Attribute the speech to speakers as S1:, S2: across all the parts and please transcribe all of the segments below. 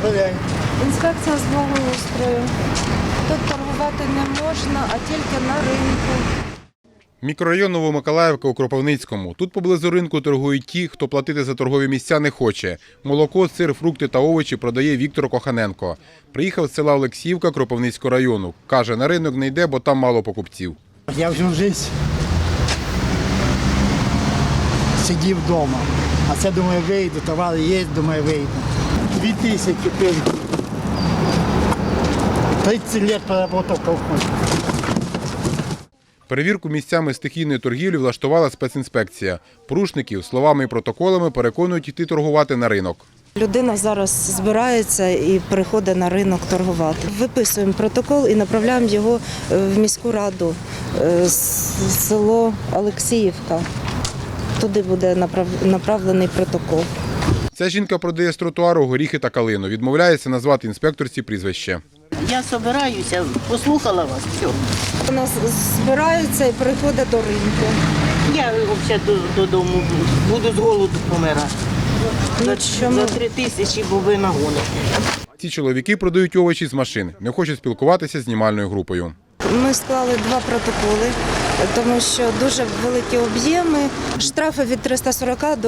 S1: перевіряємо.
S2: Інспекція з благоустрою. Тут торгувати не можна, а тільки на ринку.
S3: Мікрорайон Новомиколаївка у Кропивницькому. Тут поблизу ринку торгують ті, хто платити за торгові місця не хоче. Молоко, сир, фрукти та овочі продає Віктор Коханенко. Приїхав з села Олексіївка Кропивницького району. Каже, на ринок не йде, бо там мало покупців.
S1: Я всю життя сидів вдома. А це, думаю, вийду, товари є, думаю, вийду. 2000 пирків. 30 років проработав в колхозі.
S3: Перевірку місцями стихійної торгівлі влаштувала спецінспекція. Порушників словами і протоколами переконують йти торгувати на ринок.
S2: Людина зараз збирається і приходить на ринок торгувати. Виписуємо протокол і направляємо його в міську раду, село Олексіївка. Туди буде направлений протокол.
S3: Ця жінка продає з тротуару горіхи та калину. Відмовляється назвати інспекторці прізвище.
S4: Я збираюся, послухала вас, все.
S2: Вона збирається і приходить до ринку.
S4: Я взагалі додому буду з голоду помирати. За 3000, бо ви нагоните.
S3: Ці чоловіки продають овочі з машин, не хочуть спілкуватися з знімальною групою.
S2: Ми склали 2 протоколи, тому що дуже великі об'єми. Штрафи від 340 до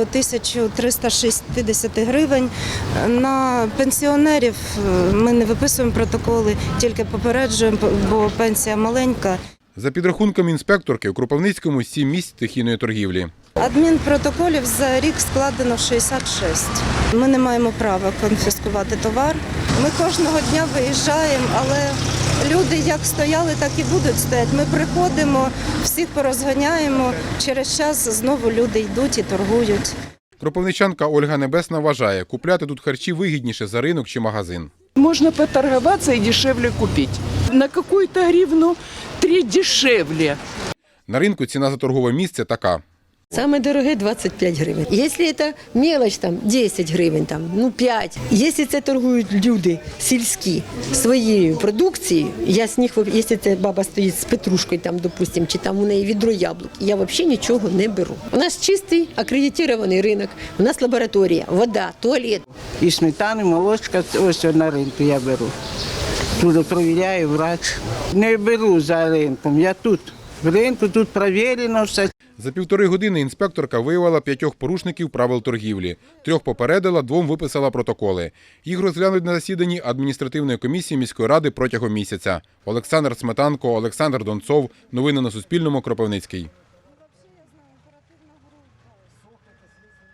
S2: 1360 гривень. На пенсіонерів ми не виписуємо протоколи, тільки попереджуємо, бо пенсія маленька.
S3: За підрахунками інспекторки, у Кропивницькому 7 місць стихійної торгівлі.
S2: Адмінпротоколів за рік складено 66. Ми не маємо права конфіскувати товар. Ми кожного дня виїжджаємо, але люди як стояли, так і будуть стояти. Ми приходимо, всіх порозганяємо, через час знову люди йдуть і торгують.
S3: Кропивничанка Ольга Небесна вважає, купляти тут харчі вигідніше за ринок чи магазин.
S5: Можно поторговаться и дешевле купить. На какую-то гривну 3 дешевле.
S3: На ринку ціна за торгове місце така.
S6: Самое дорогое 25 гривень. Если это мелочь, там 10 гривень, там, 5. Если це торгують люди сільські своєю продукцією, я з них, якщо це баба стоїть з петрушкою, там, допустим, чи там у неї відро яблук, я взагалі нічого не беру. У нас чистий акредитований ринок, у нас лабораторія, вода, туалет.
S4: І сметани, молочка, ось на ринку я беру. Тут перевіряю врач. Не беру за ринком, я тут. В ринку тут перевірено все.
S3: За 1,5 години інспекторка виявила 5 порушників правил торгівлі. 3 попередила, 2 виписала протоколи. Їх розглянуть на засіданні адміністративної комісії міської ради протягом місяця. Олександр Сметанко, Олександр Донцов. Новини на Суспільному. Кропивницький.